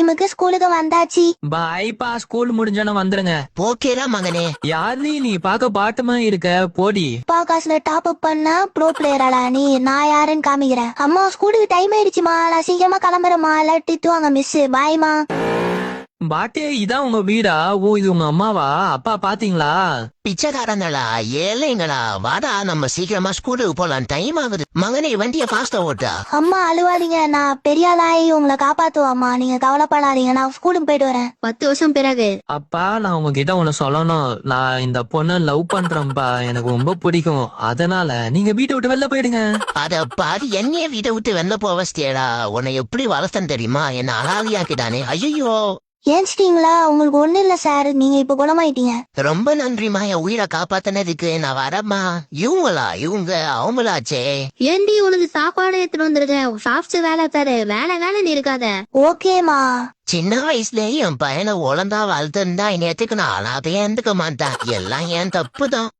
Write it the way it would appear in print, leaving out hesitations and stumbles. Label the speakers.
Speaker 1: டைமுக்கு ஸ்கூலுக்கு வந்தாச்சு.
Speaker 2: பாய்ப்பா, ஸ்கூல் முடிஞ்சோன்னு வந்துருங்க.
Speaker 3: போக்கேடா மகனே.
Speaker 2: யாரு நீ பாக்க பாட்டுமா இருக்க? போடி.
Speaker 1: அப்பா காசுல டாப் அப் பண்ணா ப்ரோ பிளேயராடா நீ. நான் யாருன்னு காமிக்கிறேன். அம்மா ஸ்கூலுக்கு டைம் ஆயிடுச்சுமா, நான் சீக்கிரமா கிளம்புறேம்மா, எல்லாம் திட்டுவாங்க மிஸ். பாய்மா.
Speaker 2: பாட்டே, இதான் உங்க வீடா? ஓ, இது உங்க அம்மாவா? அப்பா பாத்தீங்களா?
Speaker 3: பிச்சைக்காரங்களா, ஏழைங்களா, வாடா நம்ம சீக்கிரமா ஸ்கூலுக்கு போலாம், டைம் ஆகுது. மகனே வண்டிய ஃபாஸ்டா ஓட்டா.
Speaker 1: அம்மா அழுவாதீங்க, நான் பெரிய ஆளாயி உங்களை காப்பாத்துவாம்மா, நீங்க கவலைப்படாதீங்க, நான் ஸ்கூலுக்கு போயிட்டு வரேன்.
Speaker 4: 10 வருஷம் பிறகு.
Speaker 2: அப்பா, நான் உங்ககிட்ட ஒண்ணு சொல்லணும். நான் இந்த பொண்ணை லவ் பண்றேன்ப்பா. எனக்கு ரொம்ப பிடிக்கும். அதனால நீங்க வீட்டை விட்டு வெளில போயிடுங்க.
Speaker 3: அத பாரு, என்னைய வீட்டை விட்டு வெளில போவஸ்தியடா. உன்னை எப்படி வளர்த்தன் தெரியுமா? என்ன அனாதையாக்கிட்டானே. ஐயோ,
Speaker 1: ஏன்ச்சிட்டீங்களா? உங்களுக்கு ஒண்ணு இல்ல சார், நீங்க இப்ப குணமாயிட்டீங்க.
Speaker 3: ரொம்ப நன்றிமா, என் உயிரை காப்பாத்தினதுக்கு. நான் வரமா. இவங்க அவங்களாச்சே.
Speaker 4: ஏண்டி உனக்கு சாப்பாடு எடுத்துட்டு வந்திருக்க? சாப்பிட்டு வேலை பாரு. வேலை இருக்காத.
Speaker 1: ஓகேமா.
Speaker 3: சின்ன வயசுலயே என் பையனை ஒழுங்கா வளர்த்துருந்தா இந்நேரத்துக்கு நான் அனாதையா இருந்துக்க மாட்டேன். எல்லாம் என் தப்பு தான்.